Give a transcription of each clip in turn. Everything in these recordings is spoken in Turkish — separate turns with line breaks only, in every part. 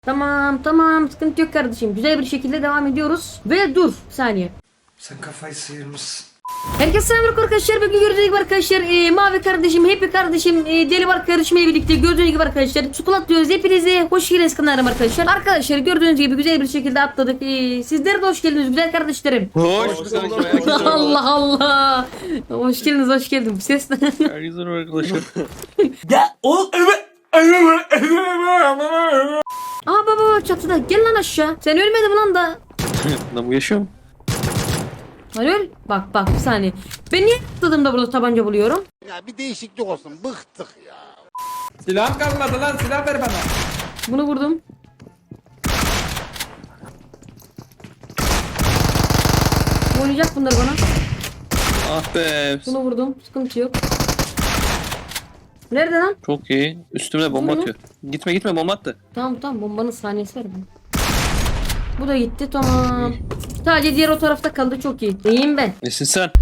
Tamam tamam, sıkıntı yok kardeşim. Güzel bir şekilde devam ediyoruz. Ve dur bir saniye.
Sen kafayı sıyırmışsın.
Herkese selamünaleyküm arkadaşlar. Bugün gördüğünüz gibi arkadaşlar Mavi kardeşim, Happy kardeşim, Deli var kardeşimle birlikte gördüğünüz gibi arkadaşlar Skulat diyoruz. Hepinize hoş geldiniz kanalım arkadaşlar. Arkadaşlar gördüğünüz gibi güzel bir şekilde atladık. Sizler de hoş geldiniz güzel kardeşlerim.
Hoş bulduk.
Allah Allah. Hoş geldiniz, hoş geldin. Bu ses ne?
Herkese merhaba arkadaşlar.
Aa baba çatıda, gel lan aşağı. Sen ölmedin lan da.
Lan bu yaşıyor mu?
Lan öl. Bak bak bir saniye. Ben niye atladım da burada tabanca buluyorum?
Ya bir değişiklik olsun. Bıktık ya.
Silahım kalmadı lan, silah ver bana.
Bunu vurdum. Oynayacak bunlar bana.
Ah be.
Bunu vurdum. Sıkıntı yok. Nerede lan?
Çok iyi. Üstüme bomba
Vurdu.
atıyor. Gitme gitme bomba attı.
Tamam tamam, bombanın saniyesi var mı? Bu da gitti, tamam. Sadece diğer o tarafta kaldı, çok iyi. İyiyim ben.
Nesin sen?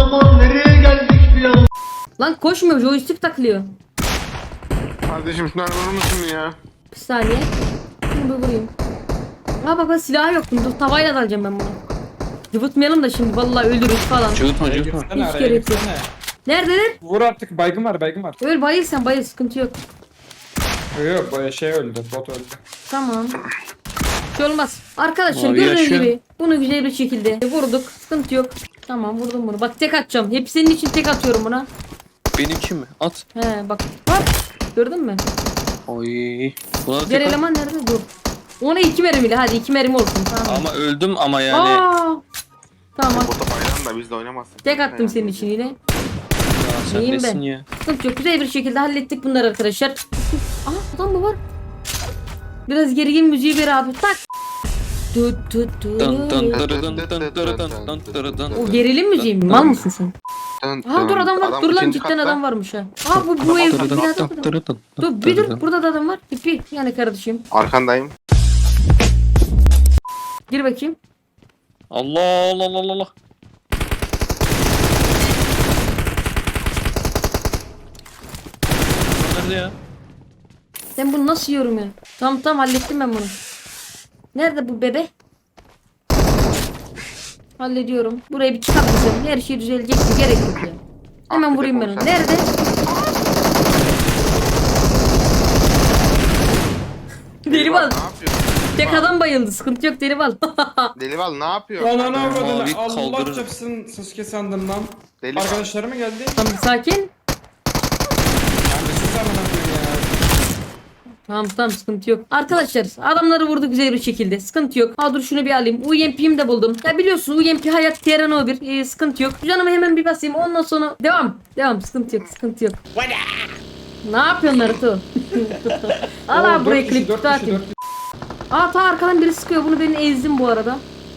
Lan koşmuyor, joystick takılıyor.
Kardeşim şunları vurur musun ya?
Bir saniye. Bunu bir vurayım. Ha bak silah yok. Dur tavayla dalacağım ben bunu. Cıvıtmayalım da şimdi vallahi ölürüz falan.
Cıvıtma cıvıtma.
Gitsene
Hiç
araya
gerek yok.
gitsene.
Neredeler?
Vur artık, baygın var, baygın var.
Öl, bayıl sen bayıl, sıkıntı yok.
Yok bu şey öldü, bot öldü.
Tamam. Şey olmaz. Arkadaşlar
Abi
gördüğünüz
yaşıyor.
gibi bunu güzel bir şekilde vurduk. Sıkıntı yok. Tamam vurdum bunu. Bak tek atacağım. Hep senin için tek atıyorum buna.
Benim için mi? At.
He bak. Bak. Gördün mü?
Oy. Buna da
Diğer
tek at.
eleman nerede? Dur. Ona 2 mermiyle. Hadi 2 mermi olsun. Tamam.
Ama öldüm ama yani.
Aa! Tamam.
Burada bayram da biz de oynamazsak.
Tek attım senin için yine.
Ya sen
İyiyim
nesin
ben.
ya?
Sıkıntı yok. Güzel bir şekilde hallettik bunları arkadaşlar. Aa adam mı var? Biraz gerilim müziği ver abi. Tak. Tut tut tut.
Dın dın dırı dın dın dırı dın dın dırı dın.
O gerilim müziği mi? Mal mısın sen? Aa dur adam var. Dur lan
ikinci
cidden
katta.
adam varmış ha. Aa bu ev.
Dırı dın
Binada
dın
adam.
dırı dın
Dur
dın
bir
dırı
dur.
dın.
Burada da adam var. İpi yani kardeşim.
Arkandayım.
Gir bakayım.
Allah Allah Allah Allah. Nerede ya?
Sen bunu nasıl yiyorum ya? Tamam tamam hallettim ben bunu. Nerede bu bebe? Hallediyorum. Burayı bir çıkartacağım. Her şey düzelecek. Gerek yok ya. Hemen vurayım ben onu. Nerede? Delival.
Ne yapıyor?
Tek adam bayıldı. Sıkıntı yok Delival.
Delival ne yapıyor?
Lan ana
Mavi
avradını, Allah
kaldırır.
çapsın Sasuke sandım lan.
Delival.
Arkadaşları mı geldi?
Tamam sakin.
Ben de siz amına koyayım ya.
Tamam tamam sıkıntı yok. Arkadaşlar adamları vurdu güzel bir şekilde. Sıkıntı yok. Ha dur şunu bir alayım. UMP'yi de buldum. Ya biliyorsun UMP hayat TRNO bir. Sıkıntı yok. Canımı hemen bir basayım. Ondan sonra devam. Devam sıkıntı yok. Sıkıntı yok. Ne yapıyorsun Naruto? Al
Oo,
abi buraya
dört kişi,
klip
dört kişi,
atayım.
dört kişi.
Aa ta arkadan biri sıkıyor. Bunu ben ezdim bu arada.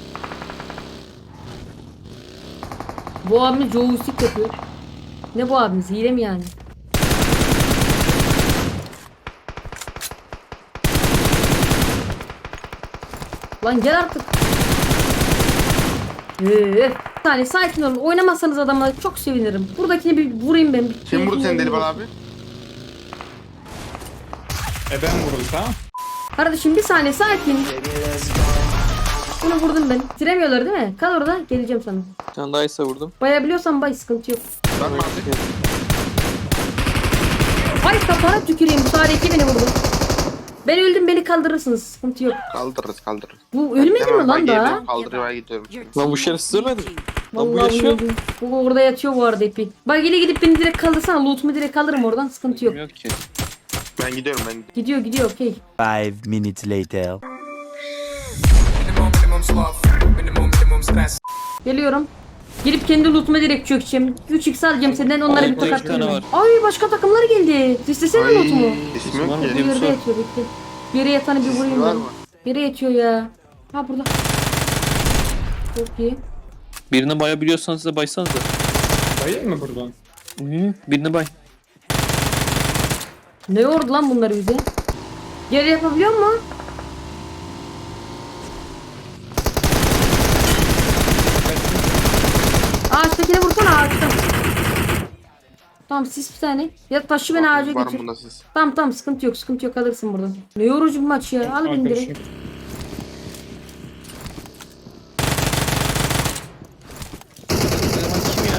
Bu abimiz joystick yapıyor. Ne bu abimiz? Hile mi yani? Lan gel artık. Bir saniye sakin olun. Oynamazsanız adamla çok sevinirim. Buradakini bir vurayım ben.
Kim vurdu seni Delival abi?
Ben vuruldu tamam.
Kardeşim bir saniye sakin. Bunu vurdum ben. Bitiremiyorlar değil mi? Kal orada, geleceğim sana.
Sen daha iyisi vurdum.
Bayabiliyorsan bay, sıkıntı yok.
Bakma abi.
Ay kafana tüküreyim. Bu sadece beni vurdu. Ben öldüm, beni kaldırırsınız. Sıkıntı yok.
Kaldırırız kaldırırız.
Bu ölmedi mi lan daha?
Kaldırmaya gidiyorum.
Lan bu şerefsiz ölmedi. Lan bu
Vallahi
yaşıyor.
öldüm. Bu orada yatıyor bu arada ipi. Bak ile gidip beni direkt kaldırsana. Loot'umu direkt alırım oradan. Sıkıntı yok.
Bilmiyorum ki.
Ben gidiyorum ben.
Gidiyor gidiyor okey.
5 minutes later.
Geliyorum. Gelip kendi loot'uma direkt çökeceğim. 3x alacağım senden, onlara bir
Orada
tokat
iki tane
atacağım.
var.
Ay başka takımlar geldi. İstesene loot'umu.
İsmi
Var
yok
mı?
ki.
Bir yerde
sor.
yatıyor bekle. Bir yere yatanı bir vurayım
Var
ben.
mı?
Yere yatıyor ya. Ha burada. Çok iyi.
Birini bayabiliyorsanız size baysanız da.
Bayıl mı buradan?
Birini bay.
Ne yordu lan bunları bize? Geri yapabiliyor mu? Ağaçtakine vursana ağaçta. Tamam siz bir tane. Ya taşı beni ağaca
Var mı
götür.
bunda siz?
Tamam sıkıntı yok sıkıntı yok alırsın buradan. Ne yorucu bir maç ya. Al beni direkt.
Arkadaşım.
Kim ya?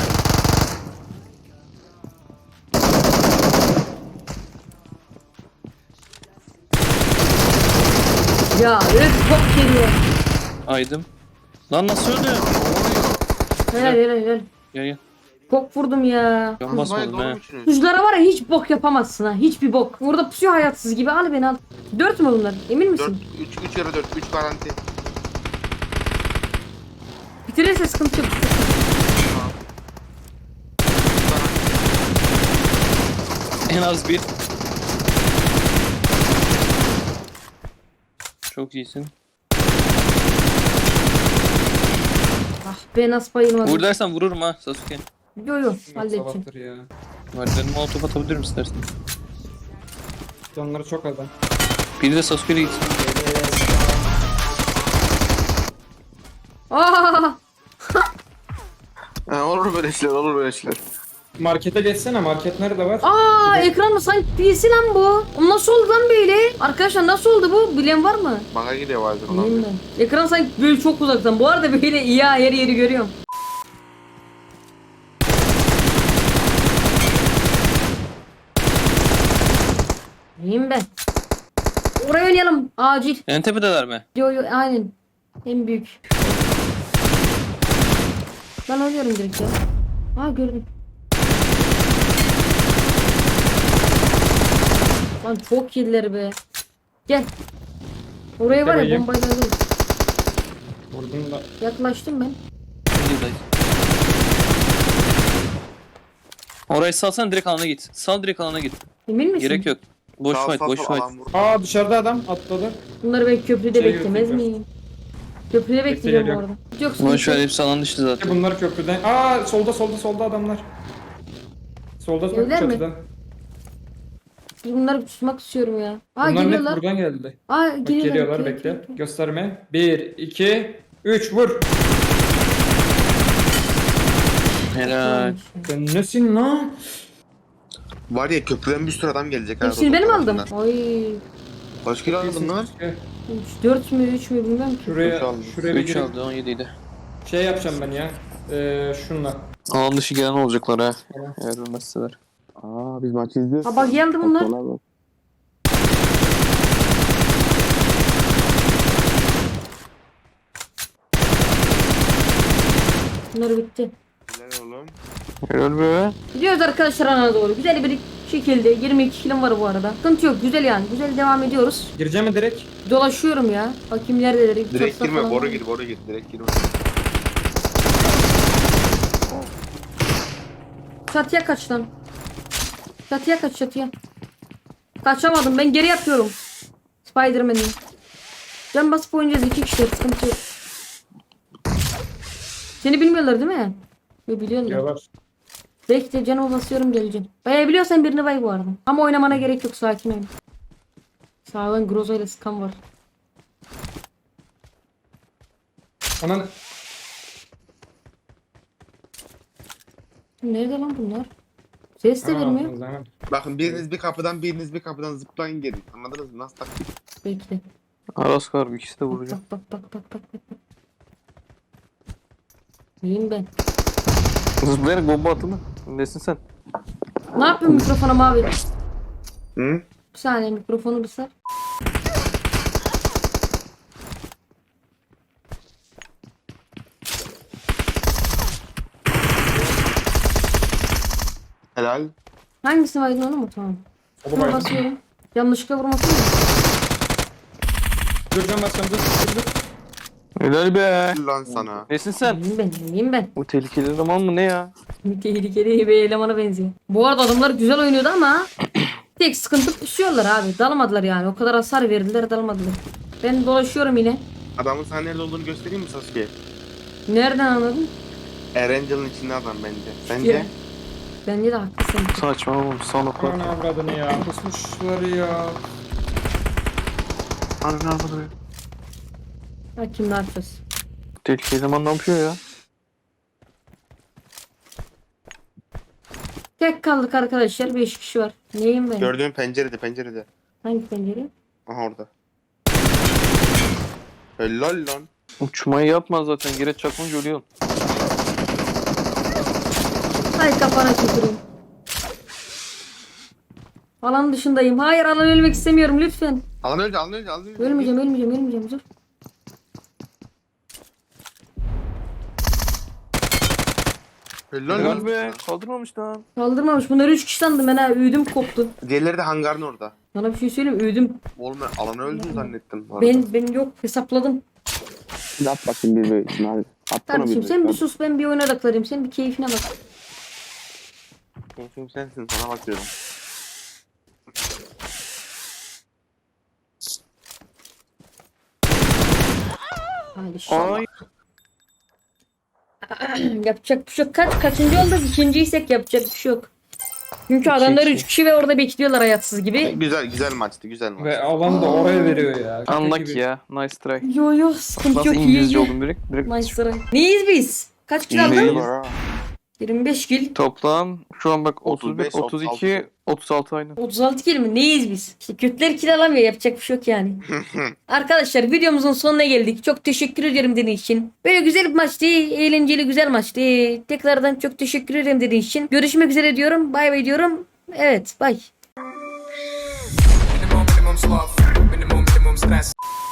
Ya öf çok geliyor.
Aydım. Lan nasıl öldü?
Helal.
Gel gel.
Çok vurdum ya.
Can
Bayağı
basmadım
doğru
he.
musunuz?
Tuzlara var ya hiç bok yapamazsın ha. Hiçbir bok. Burada pusuyor hayatsız gibi. Al beni al. 4 mü bunlar? Emin
4,
misin?
3 yarı 4, 3 garanti.
Bitirirse sıkıntı yok.
En az bir. Çok iyisin.
Ah be nasıl bayılmadım.
Vur dersen vururum ha Sasuke.
Yo halledeceğim.
Sabahtır ya.
Merdivenin molotof atabilir misin dersin?
Canları çok adam.
Biri de Sasuke'yle gitsin.
Aa!
Olur böyle şeyler, olur böyle şeyler.
Markete geçsene. Market nerede var?
Aa ekran mı? Sanki PC lan bu. O nasıl oldu lan böyle? Arkadaşlar nasıl oldu bu? Bilen var mı?
Bana gidiyor bazen olan.
Bilmiyorum ben. Ekran sanki böyle çok uzaktan. Bu arada böyle iyi ha, her yeri görüyorum. İyiyim ben. Oraya oynayalım. Acil.
En tepedeler mi?
Yo aynen. En büyük. Ben oynuyorum direkt ya. Aa gördüm. Lan çok iyiler be. Gel. Oraya var ya
Bakayım.
bombayla alırım.
Vurdum da.
Yaklaştım ben.
İyi dayı. Orayı salsan direkt alana git. Sal direkt alana git.
Emin misin?
Gerek yok. Boş
Sağ,
fight,
sağ,
boş
sağ,
fight.
alan vur.
Aa dışarıda adam atladı.
Bunları ben köprüde
Şey
beklemez
yok,
miyim? Köprüde bekleyeceğim bu
geliyor.
arada. Yok
Boş
sıkıntı
ver
yok.
hepsi alan dışı zaten.
Bunlar köprüden. Aa solda adamlar. Solda
Evler mi?
çatıda.
Bunları tutmak istiyorum ya. Aa
Bunlar net
geliyorlar.
buradan geldi.
Aa
Bak,
geliyorlar.
geliyorlar
Okey,
bekle.
okey, okey.
Gösterme. 1, 2, 3 vur.
Helal.
Sen nesin lan?
Var ya köprüden bir sürü adam gelecek. ha,
Hepsini benim aldım.
rotasyondan.
Oy.
Kaç kilo aldın lan?
4 mü 3 mü bilmem ki.
Şuraya,
Üç aldım.
şuraya bir
3
girip
aldı 17 idi.
şey yapacağım ben ya. Şunla.
Alan dışı gelen olacaklar ha.
Tamam.
Eğer ölmezseler.
Aa biz maçı izliyoruz.
Ha bak geldi bunlar.
Doktorlar bak.
Bunlar bitti.
Helal oğlum.
Helal be.
Gidiyoruz arkadaşlar ana doğru. Güzel bir şekilde 22 kilim var bu arada. Sıkıntı yok güzel yani. Güzel devam ediyoruz.
Gireceğim mi direkt?
Dolaşıyorum ya. Bakayım neredeler.
Direkt
Çatıda
girme,
falan
boru
var.
gir, boru gir. Direkt girme.
Çatıya kaç lan. Çatıya kaç çatıya. Kaçamadım ben geri yapıyorum. Spiderman'im. Can basıp oynayacağız 2 kişi sıkıntı yok. Seni bilmiyorlar değil mi? Yo biliyorlar.
Diyorlar.
Bekle canımı basıyorum geleceğim. Bayabiliyorsan birini bay bu arada. Ama oynamana gerek yok sakin ol. Sağdan Groza ile Scam var.
Anan
Nerede lan bunlar? Ses de vermiyor.
o zaman.
Bakın biriniz bir kapıdan, biriniz bir kapıdan zıplayın gelin. Anladınız mı? Nasıl taktik?
Bekle.
Aras var bir ikisi de
Bak
vuracağım.
bak bak bak bak bak. Bak. İyiyim ben.
Zıplayarak bomba atıldı. Nesin sen?
Ne yapıyorsun mikrofona mavi?
Hı?
Bir saniye mikrofonu bir sar.
Helal.
Hangisi var onu mu? Tamam.
O
Şuna
babaydı.
basıyorum. Yanlışlıkla vurmasın mı?
Dur can basacağım dur.
Helal be.
Lan sana.
Nesin sen?
İyiyim ben. İyiyim ben.
Bu tehlikeli eleman mı ne ya?
Tehlikeli bir elemana benziyor. Bu arada adamlar güzel oynuyordu ama tek sıkıntı pusuyorlar abi. Dalmadılar yani. O kadar hasar verdiler dalmadılar. Ben dolaşıyorum yine.
Adamın sana nerede olduğunu göstereyim mi Sasuke?
Nereden anladın?
Erangel'ın içinde adam bence.
Ya.
Sence?
Bence de haklısın.
Saçma oğlum son oklar.
Aman avradını ya. Kusmuşlar ya.
Harbi harbi.
Bakayım ne yapacağız.
Tehlikeli eleman ne yapıyor ya?
Tek kaldık arkadaşlar. 5 kişi var. Neyim ben?
Gördüğüm pencerede.
Hangi pencere?
Aha orada. Helal lan.
Uçmayı yapma zaten. Gire çakınca ölüyorsun.
Hay kafana tüküreyim. Alan dışındayım. Hayır alan ölmek istemiyorum lütfen.
Alan önce.
Ölmeyeceğim dur.
Helal
Helal
lan.
be. Kaldırmamış lan.
Kaldırmamış. Bunları 3 kişi sandım ben ha. Ödüm koptu.
Diğerleri de hangarın orada.
Sana bir şey söyleyeyim mi? Ödüm.
Oğlum ben alanı öldüm zannettim. bu arada.
Ben yok hesapladım.
Yap bakayım bir böyle. Hadi. At bana
Kardeşim
bir
sen bir
böyle.
sus ben bir oyuna odaklanayım. Sen bir keyfine bak.
Keyfim sensin sana bakıyorum.
Hadi inşallah.
Ay.
Yapacak bir şey yok. Kaçıncı olduk? İkinciysek yapacak bir şey yok. Çünkü adamlar 3 kişi ve orada bekliyorlar hayatsız gibi.
Güzel maçtı.
Ve alan da oraya veriyor ya.
Unlucky ya. Nice try.
Yo sıkıntı
Nasıl
yok.
İngilizce
iyi.
oldum direkt? Direkt
Nice sıra. Neyiz biz? Kaç kill
İyi.
aldın?
Var ha.
25 kill.
toplam şu an bak 31,
35,
32, 36 aynı.
36 kill mi? Neyiz biz? İşte kötüler kill alamıyor. Yapacak bir şey yok yani. Arkadaşlar videomuzun sonuna geldik. Çok teşekkür ederim dediğiniz için. Böyle güzel bir maçtı. Eğlenceli güzel maçtı. Tekrardan çok teşekkür ederim dediğiniz için. Görüşmek üzere diyorum. Bay bay diyorum. Evet bay.
Minimum sloth, minimum stress.